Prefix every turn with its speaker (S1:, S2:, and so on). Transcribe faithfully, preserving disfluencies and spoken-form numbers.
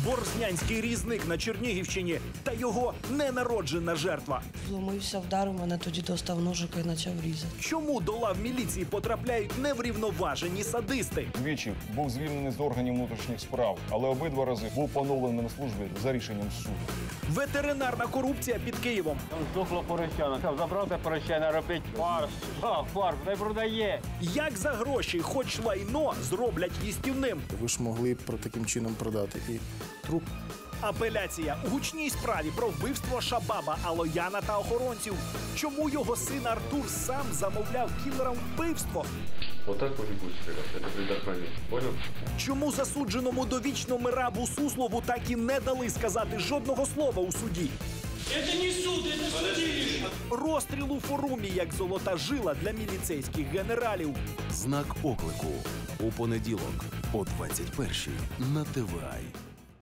S1: Ворзнянський різник на Чернігівщині та його ненароджена жертва.
S2: Вломився, вдарив мене, тоді достав ножика і почав різати.
S1: Чому до лав міліції потрапляють неврівноважені садисти?
S3: Двічі був звільнений з органів внутрішніх справ, але обидва рази був поновлений на службі за рішенням суду.
S1: Ветеринарна корупція під Києвом.
S4: Здохло поросяна. Забрав те поросяна, робить фарш. А, фарш, не продає.
S1: Як за гроші хоч лайно зроблять їстівним?
S5: Ви ж могли про таким чином продати і труп.
S1: Апеляція у гучній справі про вбивство Шабаба, Алояна та охоронців. Чому його син Артур сам замовляв кілерам вбивство?
S6: Отак може бути, це предохранення. Понял?
S1: Чому засудженому довічно Мирабу Суслову так і не дали сказати жодного слова у суді?
S7: Это не суд, это судилище.
S1: Розстріл у Форумі як золота жила для міліцейських генералів.
S8: Знак оклику у понеділок о двадцять першій на Т В А.